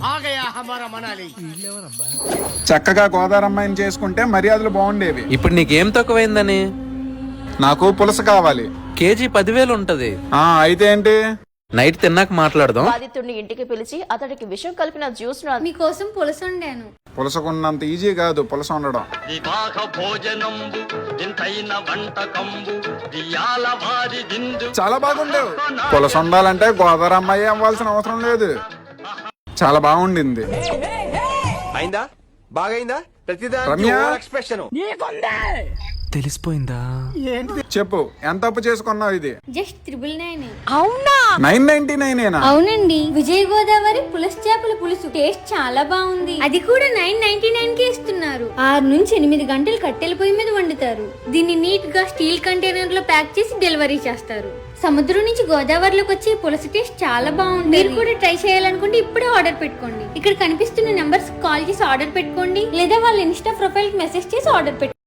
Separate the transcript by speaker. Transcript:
Speaker 1: చక్కగా గోదారమ్మాయిని చేసుకుంటే మర్యాదలు బాగుండేవి.
Speaker 2: ఇప్పుడు నీకేం తక్కువైందని?
Speaker 1: నాకు పులస కావాలి.
Speaker 2: కేజీ 10,000 ఉంటది.
Speaker 1: అయితే ఏంటి?
Speaker 2: నైట్ తిన్నాక మాట్లాడదాం.
Speaker 3: బాధితుడిని ఇంటికి పిలిచి అతడికి విషం కలిపిన జ్యూస్ ను
Speaker 4: మీకోసం పులస వండాను.
Speaker 1: పులసకున్నంత ఈజీ కాదు పులస ఉండడం. చాలా బాగుండేవు. పులస ఉండాలంటే గోదారమ్మాయి అవ్వాల్సిన అవసరం లేదు. చాలా బాగుండింది.
Speaker 5: అయిందా? బాగైందా?
Speaker 1: రమ్య,
Speaker 2: తెలిసిపోయిందా?
Speaker 1: చెప్పు, ఎంత అప్పు చేసుకున్నావు? ఇది
Speaker 4: జస్ట్ 999.
Speaker 3: అవునా?
Speaker 1: 999.
Speaker 4: అవునండి. విజయ గోదావరి పులస చేపల పులుసు టేస్ట్ చాలా బాగుంది. అది కూడా 999 కి ఇస్తున్నారు. 6 నుంచి 8 గంటలు కట్టెల పొయ్యి మీద వండుతారు. దీన్ని నీట్ గా స్టీల్ కంటైనర్ లో ప్యాక్ చేసి డెలివరీ చేస్తారు. సముద్రం నుంచి గోదావరిలోకి వచ్చే పులస టేస్ట్ చాలా బాగుంది. మీరు కూడా ట్రై చేయాలనుకుంటే ఇప్పుడే ఆర్డర్ పెట్టుకోండి. ఇక్కడ కనిపిస్తున్న నెంబర్స్ కాల్ చేసి ఆర్డర్ పెట్టుకోండి, లేదా వాళ్ళ ఇన్స్టా ప్రొఫైల్ కి మెసేజ్ చేసి ఆర్డర్ పెట్టుకోండి.